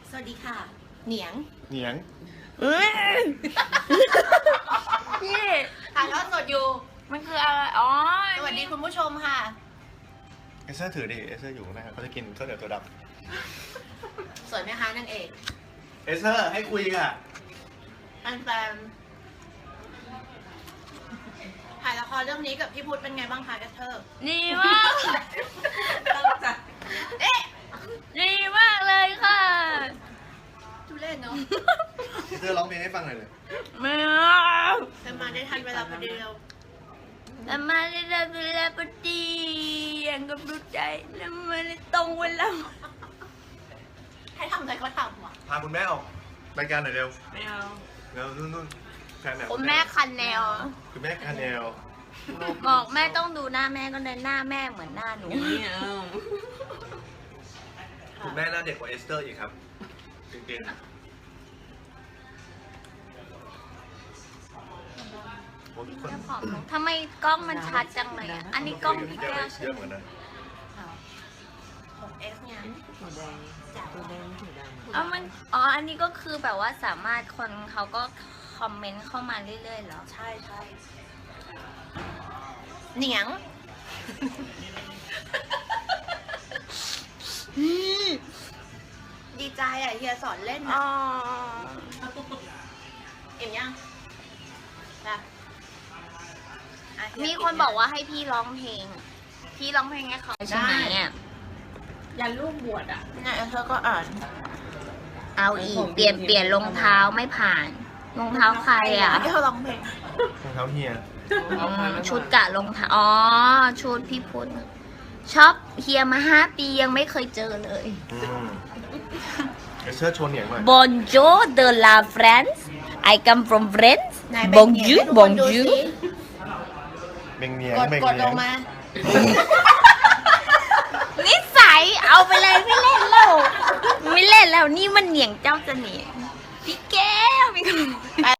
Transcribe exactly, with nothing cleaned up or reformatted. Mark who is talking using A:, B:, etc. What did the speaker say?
A: สวัสดีค่ะเหนียง
B: เหนียง
C: เอ้ยพี่
A: ถ่ายทอดสดอยู่
C: มันคืออะไรอ๋อ
A: สวัสดีคุณผู้ชมค่ะ
B: เอเซอร์ถือดิเอเซอร์อยู่นะครับเขาจะกินข้าวเหนียวตัวด
A: สวยไหมคะนางเอก
B: ำเอเซอร์ให้คุยอ่ะ
A: แฟนๆถ่ายละครเรื่องนี้กับพี่พุทธเป็นไงบ้างคะแกเธอ
C: ดีมาก
A: ตั้งใจเอ๊ะ
C: ดีมากเลยค่ะ
A: ทุเล่นเนาะ
B: เอเซอร์ร้องเพลงให้ฟังหน่อยเลย
C: ไม่เอา
A: เธอมาได้ทันเวลาพอดีเรา
C: แต่มาได้เวลาพอดีอย่างกับรู้ใจแล้วมาได้ตรงเวลา
A: ให้ทำอะไรก็ทำว่ะ
B: พาคุณแม่ออกรายการหน่อยเร็ว
C: ไม่เอา
B: เร็วนู่นนู่นแฟนแบบ
C: คุณแม่คันแนว
B: คุณแม่คาเนล
C: บอกแม่ต้องดูหน้าแม่ก็เลยหน้าแม่เหมือนหน้าหนู
B: คุณแม่หน้าเด็กกว่าเอสเตอร์อีกครับจริงๆ
C: ทำไมกล้องมันชัดจังเลยอ่ะอันนี้กล้องพี่แก้วใช่
B: เยอะ
C: ไห
B: เห
C: ม
B: มือนกัน
A: หกเอสเนี่ยหัวแดงหัวแดงหัวแดง
C: อ๋อมันอ๋ออันนี้ก็คือแบบว่าสามารถคนเขาก็คอมเมนต์เข้ามาเรื่อยๆเหรอ
A: ใช่ใช่เหนียงดีใจอ่ะเฮียสอนเล่น
C: อ๋
A: นะ
C: อ
A: เอ็มยังนะอ่ะเฮีย
C: มีคนบอกว่าให้พี่ร้องเพลง พี่ร้องเพลงให้เขาใช่ไหมอ่ะ
D: ยันลูกบวชอ่ะ
A: เนี่ยเธอก็อ่าน
C: เอาอีกเปลี่ยนเปลี่ยนรองเท้าไม่ผ่านรองเท้าใครอ่ะ
A: ที่เขาร้องเพลง
B: รองเท้าเฮีย
C: อืมชุดกะรองเท้าอ๋อชุดพี่พุทธชอบเฮียมาห้าปียังไม่เคยเจอเลย
B: อืมเอเซอร์ชวนเหนียงหน่อย
C: Bonjour de la France I come from France
A: ไหนแบ่งเหนียง
C: Bonjour
A: ให้ทุกคนดูสิ
C: Bonjour
B: เบ่งเหนียง
A: กด
B: เบ่ง
A: กด
B: เหนี
A: ล
B: ยง
A: งมา
C: นิสัยเอาไปเลยไม่เล่นแล้วไม่เล่นแล้วนี่มันเหนียงเจ้าจะเหนียงพี่แก้วมีคน